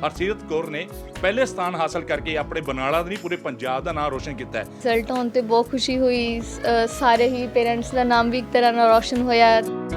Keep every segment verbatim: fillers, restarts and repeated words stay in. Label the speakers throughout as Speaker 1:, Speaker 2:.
Speaker 1: ਹਰਸੀਰਤ ਕੌਰ ਨੇ ਪਹਿਲੇ ਸਥਾਨ ਹਾਸਲ ਕਰਕੇ ਆਪਣੇ ਬਰਨਾਲਾ ਦੇ ਨਹੀਂ ਪੂਰੇ ਪੰਜਾਬ ਦਾ ਨਾਮ ਰੋਸ਼ਨ ਕੀਤਾ ਹੈ।
Speaker 2: ਰਿਜ਼ਲਟ ਆਉਣ ਤੇ ਬਹੁਤ ਖੁਸ਼ੀ ਹੋਈ। ਅ, ਸਾਰੇ ਹੀ ਪੇਰੈਂਟਸ ਦਾ ਨਾਮ ਵੀ ਇੱਕ ਤਰ੍ਹਾਂ ਨਾਲ ਰੋਸ਼ਨ ਹੋਇਆ।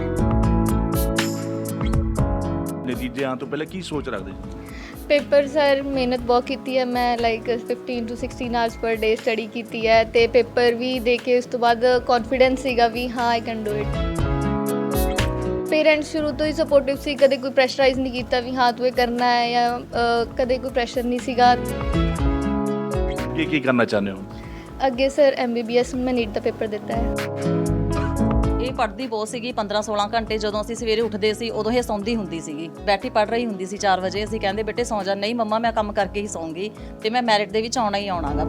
Speaker 1: ਨਤੀਜੇ ਆਉਣ ਤੋਂ ਪਹਿਲਾਂ ਕੀ ਸੋਚ ਰੱਖਦੇ ਸੀ?
Speaker 2: ਪੇਪਰ ਸਰ ਮਿਹਨਤ ਬਹੁਤ ਕੀਤੀ ਹੈ। ਮੈਂ like fifteen to sixteen hours per day study ਕੀਤੀ ਹੈ ਤੇ ਪੇਪਰ ਵੀ ਦੇ ਕੇ ਉਸ ਤੋਂ ਬਾਅਦ ਕੌਨਫੀਡੈਂਸ ਸੀਗਾ ਵੀ ਹਾਂ I can do it. Parents ਸ਼ੁਰੂ ਤੋਂ ਹੀ ਸਪੋਰਟਿਵ ਸੀ, ਕਦੇ ਕੋਈ ਪ੍ਰੈਸ਼ਰਾਈਜ਼ ਨਹੀਂ ਕੀਤਾ ਵੀ ਹਾਂ ਤੂੰ ਇਹ ਕਰਨਾ ਹੈ ਜਾਂ ਅ, ਕਦੇ ਕੋਈ ਪ੍ਰੈਸ਼ਰ ਨਹੀਂ ਸੀਗਾ।
Speaker 1: ਕੀ ਕੀ ਕਰਨਾ ਚਾਹੁੰਦੇ ਹੋ?
Speaker 2: ਅੱਗੇ sir M B B S ਮੈਂ ਨੀਟ ਦਾ ਪੇਪਰ ਦਿੱਤਾ ਹੈ।
Speaker 3: ਇਹ ਪੜ੍ਹਦੀ ਬਹੁਤ ਸੀਗੀ ਪੰਦਰਾਂ ਸੋਲਾਂ ਘੰਟੇ। ਜਦੋਂ ਅਸੀਂ ਸਵੇਰੇ ਉੱਠਦੇ ਸੀ ਉਦੋਂ ਇਹ ਸੌਂਦੀ ਹੁੰਦੀ ਸੀਗੀ, ਬੈਠੀ ਪੜ੍ਹ ਰਹੀ ਹੁੰਦੀ ਸੀ ਚਾਰ ਵਜੇ। ਅਸੀਂ ਕਹਿੰਦੇ ਬੇਟੇ ਸੌਂ ਜਾ, ਨਹੀਂ ਮੰਮਾ ਮੈਂ ਕੰਮ ਕਰਕੇ ਹੀ ਸੌਂਗੀ ਤੇ ਮੈਂ ਮੈਰਿਟ ਦੇ ਵਿੱਚ ਆਉਣਾ ਹੀ ਆਉਣਾ ਗਾ।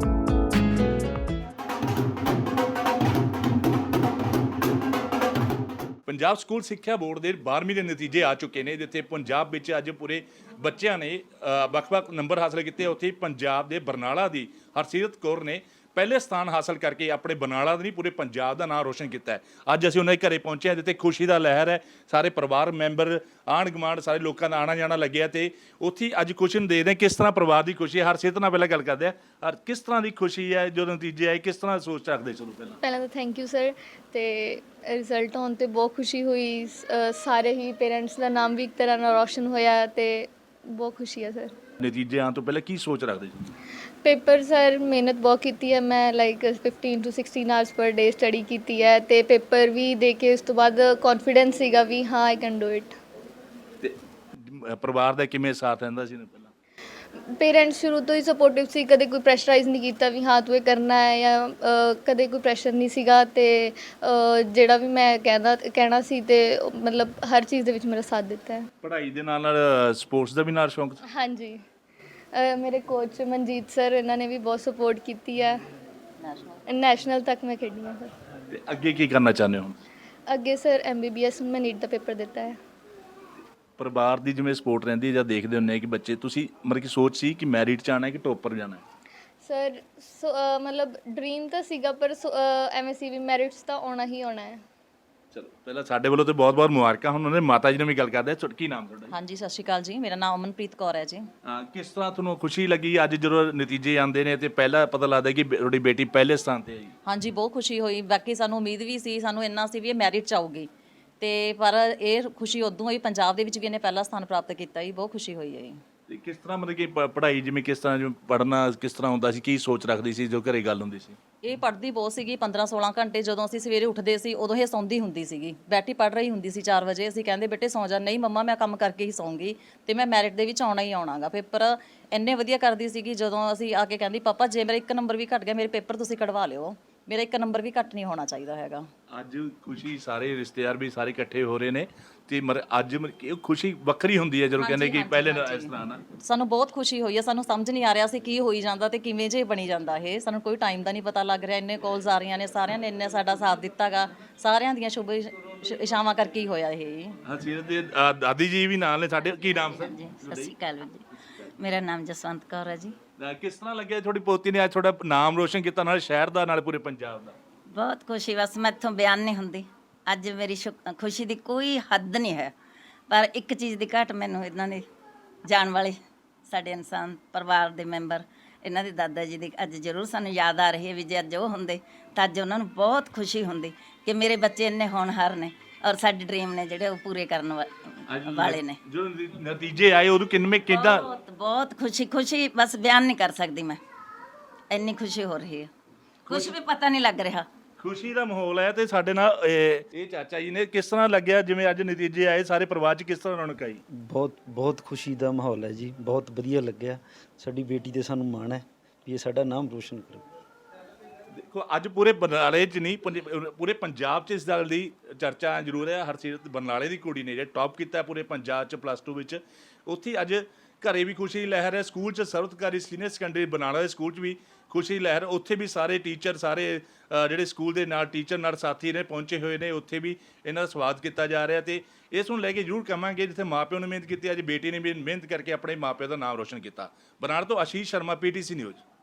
Speaker 1: ਪੰਜਾਬ ਸਕੂਲ ਸਿੱਖਿਆ ਬੋਰਡ ਦੇ ਬਾਰ੍ਹਵੀਂ ਦੇ ਨਤੀਜੇ ਆ ਚੁੱਕੇ ਨੇ, ਜਿੱਥੇ ਪੰਜਾਬ ਵਿੱਚ ਅੱਜ ਪੂਰੇ ਬੱਚਿਆਂ ਨੇ ਅ, ਵੱਖ-ਵੱਖ ਨੰਬਰ ਹਾਸਲ ਕੀਤੇ। ਉੱਥੇ ਪੰਜਾਬ ਦੇ ਬਰਨਾਲਾ ਦੀ ਹਰਸੀਰਤ ਕੌਰ ਨੇ ਪਹਿਲੇ ਸਥਾਨ ਹਾਸਲ ਕਰਕੇ ਆਪਣੇ ਬਰਨਾਲਾ ਦੇ ਨਹੀਂ ਪੂਰੇ ਪੰਜਾਬ ਦਾ ਨਾਮ ਰੋਸ਼ਨ ਕੀਤਾ ਹੈ। ਅੱਜ ਅਸੀਂ ਉਹਨਾਂ ਦੇ ਘਰੇ ਪਹੁੰਚੇ ਹਾਂ ਜਿੱਥੇ ਖੁਸ਼ੀ ਦਾ ਲਹਿਰ ਹੈ। ਸਾਰੇ ਪਰਿਵਾਰ ਮੈਂਬਰ, ਆਂਢ ਗੁਆਂਢ, ਸਾਰੇ ਲੋਕਾਂ ਦਾ ਆਣਾ ਜਾਣਾ ਲੱਗਿਆ ਤੇ ਉੱਥੇ ਅੱਜ ਖੁਸ਼ੀ ਨੂੰ ਦੇਖਦੇ ਕਿਸ ਤਰ੍ਹਾਂ ਪਰਿਵਾਰ ਦੀ ਖੁਸ਼ੀ ਹੈ। ਹਰਸੀਰਤ ਨਾਲ ਪਹਿਲਾਂ ਗੱਲ ਕਰਦੇ ਆ, ਹਰ ਕਿਸ ਤਰ੍ਹਾਂ ਦੀ ਖੁਸ਼ੀ ਹੈ ਜਦੋਂ ਨਤੀਜੇ ਆਏ, ਕਿਸ ਤਰ੍ਹਾਂ ਸੋਚ ਰੱਖਦੇ? ਚਲੋ ਪਹਿਲਾਂ
Speaker 2: ਪਹਿਲਾਂ ਤਾਂ ਥੈਂਕ ਯੂ ਸਰ। ਤੇ ਰਿਜ਼ਲਟ ਆਉਣ ਤੇ ਬਹੁਤ ਖੁਸ਼ੀ ਹੋਈ। ਅ, ਸਾਰੇ ਹੀ ਪੇਰੈਂਟਸ ਦਾ ਨਾਮ ਵੀ ਇੱਕ ਤਰ੍ਹਾਂ ਨਾਲ ਰੋਸ਼ਨ ਹੋਇਆ ਤੇ ਬਹੁਤ ਖੁਸ਼ੀ ਹੈ ਸਰ।
Speaker 1: ਨਤੀਜੇ ਆਉਣ ਤੋਂ ਪਹਿਲਾਂ ਕੀ ਸੋਚ ਰੱਖਦੇ ਸੀ?
Speaker 2: ਪੇਪਰ ਸਰ ਮਿਹਨਤ ਬਹੁਤ ਕੀਤੀ ਹੈ। ਮੈਂ like fifteen to sixteen hours per day study ਕੀਤੀ ਹੈ ਤੇ ਪੇਪਰ ਵੀ ਦੇ ਕੇ ਉਸ ਤੋਂ ਬਾਅਦ ਕੌਨਫੀਡੈਂਸ ਸੀਗਾ ਵੀ ਹਾਂ ਆਈ ਕੈਨ ਡੂ ਇਟ।
Speaker 1: ਤੇ ਪਰਿਵਾਰ ਦਾ ਕਿਵੇਂ ਸਾਥ ਰਹਿੰਦਾ ਸੀ ਪਹਿਲਾਂ?
Speaker 2: ਪੇਰੈਂਟਸ ਸ਼ੁਰੂ ਤੋਂ ਹੀ ਸਪੋਰਟਿਵ ਸੀ, ਕਦੇ ਕੋਈ ਪ੍ਰੈਸ਼ਰਾਈਜ਼ ਨਹੀਂ ਕੀਤਾ ਵੀ ਹਾਂ ਤੂੰ ਇਹ ਕਰਨਾ ਹੈ ਜਾਂ ਅ, ਕਦੇ ਕੋਈ ਪ੍ਰੈਸ਼ਰ ਨਹੀਂ ਸੀਗਾ। ਤੇ ਅ, ਜਿਹੜਾ ਵੀ ਮੈਂ ਕਹਿੰਦਾ ਕਹਿਣਾ ਸੀ ਤੇ ਉਹ ਮਤਲਬ ਹਰ ਚੀਜ਼ ਦੇ ਵਿੱਚ ਮੇਰਾ ਸਾਥ ਦਿੱਤਾ ਹੈ।
Speaker 1: ਪੜ੍ਹਾਈ ਦੇ ਨਾਲ ਨਾਲ ਸਪੋਰਟਸ ਦਾ ਵੀ ਨਾਲ ਸ਼ੌਂਕ ਸੀ?
Speaker 2: ਹਾਂਜੀ, ਅ, ਮੇਰੇ ਕੋਚ ਮਨਜੀਤ ਸਰ ਇਹਨਾਂ ਨੇ ਵੀ ਬਹੁਤ ਸਪੋਰਟ ਕੀਤੀ ਹੈ। ਨੈਸ਼ਨਲ ਤੱਕ ਮੈਂ ਖੇਡੀ ਹਾਂ ਸਰ।
Speaker 1: ਤੇ ਅੱਗੇ ਕੀ ਕਰਨਾ ਚਾਹੁੰਦੇ ਹੋ?
Speaker 2: ਅੱਗੇ sir M B B S ਮੈਂ ਨੀਟ ਦਾ ਪੇਪਰ ਦਿੱਤਾ ਹੈ।
Speaker 1: ਪਰਿਵਾਰ ਦੀ ਜਿਵੇਂ ਸਪੋਰਟ ਰਹਿੰਦੀ ਹੈ ਜਾਂ ਦੇਖਦੇ ਹੁੰਦੇ ਆ ਕਿ ਬੱਚੇ, ਤੁਸੀਂ ਮਤਲਬ ਕਿ ਸੋਚ ਸੀ ਕਿ ਮੈਰਿਟ 'ਚ ਆਉਣਾ ਹੈ ਕਿ ਟੋਪਰ ਜਾਣਾ ਹੈ?
Speaker 2: ਸਰ ਸੋ ਅ, ਮਤਲਬ ਡ੍ਰੀਮ ਤਾਂ ਸੀਗਾ ਪਰ ਸੋ, ਅ, ਐਵੇਂ ਸੀ ਵੀ ਮੈਰਿਟਸ ਤਾਂ ਆਉਣਾ ਹੀ ਆਉਣਾ ਹੈ।
Speaker 1: ਚਲੋ ਪਹਿਲਾਂ ਸਾਡੇ ਵੱਲੋਂ ਤੇ ਬਹੁਤ ਬਹੁਤ ਮੁਬਾਰਕਾਂ। ਹੁਣ ਉਹਨੇ ਮਾਤਾ ਜੀ ਨਾਲ ਵੀ ਗੱਲ ਕਰਦੇ ਆ। ਕੀ ਨਾਮ ਤੁਹਾਡਾ?
Speaker 3: ਹਾਂਜੀ ਸਤਿ ਸ਼੍ਰੀ ਅਕਾਲ ਜੀ, ਮੇਰਾ ਨਾਮ ਅਮਨਪ੍ਰੀਤ ਕੌਰ ਹੈ ਜੀ।
Speaker 1: ਹਾਂ, ਕਿਸ ਤਰ੍ਹਾਂ ਤੁਹਾਨੂੰ ਖੁਸ਼ੀ ਲੱਗੀ ਅੱਜ ਜਦੋਂ ਨਤੀਜੇ ਆਉਂਦੇ ਨੇ ਤੇ ਪਹਿਲਾ ਪਤਾ ਲੱਗਦਾ ਕਿ ਬੇ- ਤੁਹਾਡੀ ਬੇਟੀ ਪਹਿਲੇ ਸਥਾਨ ਤੇ ਆਈ?
Speaker 3: ਹਾਂਜੀ ਬਹੁਤ ਖੁਸ਼ੀ ਹੋਈ। ਬਾਕੀ ਸਾਨੂੰ ਉਮੀਦ ਵੀ ਸੀ, ਸਾਨੂੰ ਇੰਨਾ ਸੀ ਵੀ ਇਹ ਮੈਰਿਟ 'ਚ ਆਊਗੀ ਤੇ ਪਰ ਇਹ ਖੁਸ਼ੀ ਉਦੋਂ ਹੋਈ ਪੰਜਾਬ ਦੇ ਵਿੱਚ ਵੀ ਇਹਨੇ ਪਹਿਲਾ ਸਥਾਨ ਪ੍ਰਾਪਤ ਕੀਤਾ ਜੀ। ਬਹੁਤ ਖੁਸ਼ੀ ਹੋਈ ਹੈ ਜੀ।
Speaker 1: ਤੇ ਕਿਸ ਤਰ੍ਹਾਂ ਮਤਲਬ ਕਿ ਪ- ਪੜ੍ਹਾਈ ਜਿਵੇਂ ਕਿਸ ਤਰ੍ਹਾਂ ਜਿਵੇਂ ਪੜ੍ਹਨਾ ਕਿਸ ਤਰ੍ਹਾਂ ਹੁੰਦਾ ਸੀ, ਕੀ ਸੋਚ ਰੱਖਦੀ ਸੀ ਜੋ ਘਰੇ ਗੱਲ ਹੁੰਦੀ ਸੀ?
Speaker 3: ਇਹ ਪੜ੍ਹਦੀ ਬਹੁਤ ਸੀਗੀ ਪੰਦਰਾਂ ਸੋਲਾਂ ਘੰਟੇ। ਜਦੋਂ ਅਸੀਂ ਸਵੇਰੇ ਉੱਠਦੇ ਸੀ ਉਦੋਂ ਇਹ ਸੌਂਦੀ ਹੁੰਦੀ ਸੀਗੀ, ਬੈਠੀ ਪੜ੍ਹ ਰਹੀ ਹੁੰਦੀ ਸੀ ਚਾਰ ਵਜੇ। ਅਸੀਂ ਕਹਿੰਦੇ ਬੇਟੇ ਸੌਂ ਜਾ, ਨਹੀਂ ਮੰਮਾ ਮੈਂ ਕੰਮ ਕਰਕੇ ਹੀ ਸੌਂਗੀ ਤੇ ਮੈਂ ਮੈਰਿਟ ਦੇ ਵਿੱਚ ਆਉਣਾ ਹੀ ਆਉਣਾ ਗਾ। ਪੇਪਰ ਇੰਨੇ ਵਧੀਆ ਕਰਦੀ ਸੀਗੀ, ਜਦੋਂ ਅਸੀਂ ਆ ਕੇ ਕਹਿੰਦੀ ਪਾਪਾ ਜੇ ਮੇਰਾ ਇੱਕ ਨੰਬਰ ਵੀ ਘੱਟ ਗਿਆ ਮੇਰੇ ਪੇਪਰ ਤੁਸੀਂ ਕਢਵਾ ਲਿਓ, ਮੇਰਾ ਇੱਕ ਨੰਬਰ ਵੀ ਘੱਟ ਨਹੀਂ ਹੋਣਾ ਚਾਹੀਦਾ ਹੈਗਾ।
Speaker 1: ਅੱਜ ਖੁਸ਼ੀ, ਸਾਰੇ ਰਿਸ਼ਤੇਦਾਰ ਵੀ ਸਾਰੇ ਇਕੱਠੇ ਹੋ ਰਹੇ ਨੇ ਤੇ ਮਰ ਅੱਜ ਮਰ- ਕਿ ਉਹ ਖੁਸ਼ੀ ਵੱਖਰੀ ਹੁੰਦੀ ਹੈ ਜਦੋਂ ਕਹਿੰਦੇ ਕਿ ਪਹਿਲੇ ਨਾ ਇਸ ਤਰ੍ਹਾਂ ਨਾ।
Speaker 3: ਸਾਨੂੰ ਬਹੁਤ ਖੁਸ਼ੀ ਹੋਈ ਹੈ। ਸਾਨੂੰ ਸਮਝ ਨਹੀਂ ਆ ਰਿਹਾ ਸੀ ਕੀ ਹੋਈ ਜਾਂਦਾ ਤੇ ਕਿਵੇਂ ਜੇ ਬਣੀ ਜਾਂਦਾ ਇਹ। ਸਾਨੂੰ ਕੋਈ ਟਾਈਮ ਦਾ ਨਹੀਂ ਪਤਾ ਲੱਗ ਰਿਹਾ। ਇੰਨੇ ਕਾਲਸ ਆ ਰਹੀਆਂ ਨੇ, ਸਾਰਿਆਂ ਨੇ ਇੰਨੇ ਸਾਡਾ ਸਾਥ ਦਿੱਤਾਗਾ। ਸਾਰਿਆਂ ਦੀਆਂ ਸ਼ੁਭ ਇਸ਼- ਇਸ਼ਾਵਾਂ ਕਰਕੇ ਹੀ ਹੋਇਆ ਇਹ।
Speaker 1: ਹਰਸੀਰਤ ਦੇ ਅ, ਦਾਦੀ ਜੀ ਵੀ ਨਾਲ ਨੇ ਸਾਡੇ। ਕੀ ਨਾਮ ਸਰ?
Speaker 4: ਜੀ ਸਤਿ ਸ਼੍ਰੀ ਅਕਾਲ ਵੀਰ ਜੀ, ਮੇਰਾ ਨਾਮ ਜਸਵੰਤ ਕੌਰ ਹੈ ਜੀ।
Speaker 1: ਅ, ਕਿਸ ਤਰ੍ਹਾਂ ਲੱਗਿਆ ਤੁਹਾਡੀ ਪੋਤੀ ਨੇ ਅੱਜ ਤੁਹਾਡਾ ਨਾਮ ਰੋਸ਼ਨ ਕੀਤਾ, ਨਾਲ ਸ਼ਹਿਰ ਦਾ ਨਾਲ ਪੂਰੇ ਪੰਜਾਬ ਦਾ?
Speaker 4: ਬਹੁਤ ਖੁਸ਼ੀ, ਬਸ ਮੈਥੋਂ ਬਿਆਨ ਨਹੀਂ ਹੁੰਦੀ। ਅੱਜ ਮੇਰੀ ਸ਼ੁਕ- ਖੁਸ਼ੀ ਦੀ ਕੋਈ ਹੱਦ ਨਹੀਂ ਹੈ। ਪਰ ਇੱਕ ਚੀਜ਼ ਦੀ ਘਾਟ ਮੈਨੂੰ ਇਹਨਾਂ ਦੇ ਜਾਣ ਵਾਲੇ ਸਾਡੇ ਇਨਸਾਨ ਪਰਿਵਾਰ ਦੇ ਮੈਂਬਰ, ਇਹਨਾਂ ਦੇ ਦਾਦਾ ਜੀ ਦੀ ਅੱਜ ਜ਼ਰੂਰ ਸਾਨੂੰ ਯਾਦ ਆ ਰਹੀ ਹੈ ਵੀ ਜੇ ਅੱਜ ਉਹ ਹੁੰਦੇ ਤਾਂ ਅੱਜ ਉਹਨਾਂ ਨੂੰ ਬਹੁਤ ਖੁਸ਼ੀ ਹੁੰਦੀ ਕਿ ਮੇਰੇ ਬੱਚੇ ਇੰਨੇ ਹੋਣਹਾਰ ਨੇ ਔਰ ਸਾਡੇ ਡ੍ਰੀਮ ਨੇ ਜਿਹੜੇ ਉਹ ਪੂਰੇ ਕਰਨ ਵਾ- ਵਾਲੇ ਨੇ।
Speaker 1: ਜੋ ਨਤੀਜੇ ਆਏ ਉਦੋਂ ਕਿੰਨੇ ਕਿੱਦਾਂ?
Speaker 4: ਬਹੁਤ ਬਹੁਤ ਖੁਸ਼ੀ ਖੁਸ਼ੀ ਬਸ ਬਿਆਨ ਨਹੀਂ ਕਰ ਸਕਦੀ ਮੈਂ, ਇੰਨੀ ਖੁਸ਼ੀ ਹੋ ਰਹੀ ਹੈ। ਕੁਝ ਵੀ ਪਤਾ ਨਹੀਂ ਲੱਗ ਰਿਹਾ।
Speaker 1: ਖੁਸ਼ੀ ਦਾ ਮਾਹੌਲ ਹੈ ਤੇ ਸਾਡੇ ਨਾਲ ਇਹ ਇਹ ਚਾਚਾ ਜੀ ਨੇ। ਕਿਸ ਤਰ੍ਹਾਂ ਲੱਗਿਆ ਜਿਵੇਂ ਅੱਜ ਨਤੀਜੇ ਆਏ, ਸਾਰੇ ਪਰਿਵਾਰ 'ਚ ਕਿਸ ਤਰ੍ਹਾਂ ਰੌਣਕ ਆਈ?
Speaker 5: ਬਹੁਤ ਬਹੁਤ ਖੁਸ਼ੀ ਦਾ ਮਾਹੌਲ ਹੈ ਜੀ, ਬਹੁਤ ਵਧੀਆ ਲੱਗਿਆ। ਸਾਡੀ ਬੇਟੀ ਤੇ ਸਾਨੂੰ ਮਾਣ ਹੈ ਵੀ ਇਹ ਸਾਡਾ ਨਾਮ ਰੋਸ਼ਨ ਕਰੇ।
Speaker 1: ਦੇਖੋ ਅੱਜ ਪੂਰੇ ਬਰਨਾਲੇ 'ਚ ਨਹੀਂ, ਪੰਜ- ਪੂਰੇ ਪੰਜਾਬ 'ਚ ਇਸ ਗੱਲ ਦੀ ਚਰਚਾ ਜ਼ਰੂਰ ਹੈ। ਹਰਸੀਰਤ ਬਰਨਾਲੇ ਦੀ ਕੁੜੀ ਨੇ ਜਿਹੜਾ ਟੌਪ ਕੀਤਾ ਪੂਰੇ ਪੰਜਾਬ 'ਚ ਪਲੱਸ ਟੂ ਵਿੱਚ। ਉੱਥੇ ਅੱਜ ਘਰੇ ਵੀ ਖੁਸ਼ੀ ਦੀ ਲਹਿਰ ਹੈ। ਸਕੂਲ 'ਚ ਸਰਵਤਕਾਰੀ ਸੀਨੀਅਰ ਸੈਕੰਡਰੀ ਬਰਨਾਲਾ ਦੇ ਸਕੂਲ 'ਚ ਵੀ ਖੁਸ਼ੀ ਦੀ ਲਹਿਰ। ਉੱਥੇ ਵੀ ਸਾਰੇ ਟੀਚਰ, ਸਾਰੇ ਅ, ਜਿਹੜੇ ਸਕੂਲ ਦੇ ਨਾਲ ਟੀਚਰ ਨਾਲ ਸਾਥੀ ਨੇ ਪਹੁੰਚੇ ਹੋਏ ਨੇ। ਉੱਥੇ ਵੀ ਇਹਨਾਂ ਦਾ ਸਵਾਗਤ ਕੀਤਾ ਜਾ ਰਿਹਾ ਤੇ ਇਸ ਨੂੰ ਲੈ ਕੇ ਜ਼ਰੂਰ ਕਹਾਂਗੇ ਜਿੱਥੇ ਮਾਪਿਆਂ ਨੇ ਮਿਹਨਤ ਕੀਤੀ, ਅੱਜ ਬੇਟੀ ਨੇ ਵੀ ਮਿਹਨਤ ਕਰਕੇ ਆਪਣੇ ਮਾਪਿਆਂ ਦਾ ਨਾਮ ਰੋਸ਼ਨ ਕੀਤਾ। ਬਰਨਾਲਾ ਤੋਂ Ashish Sharma, P T C news.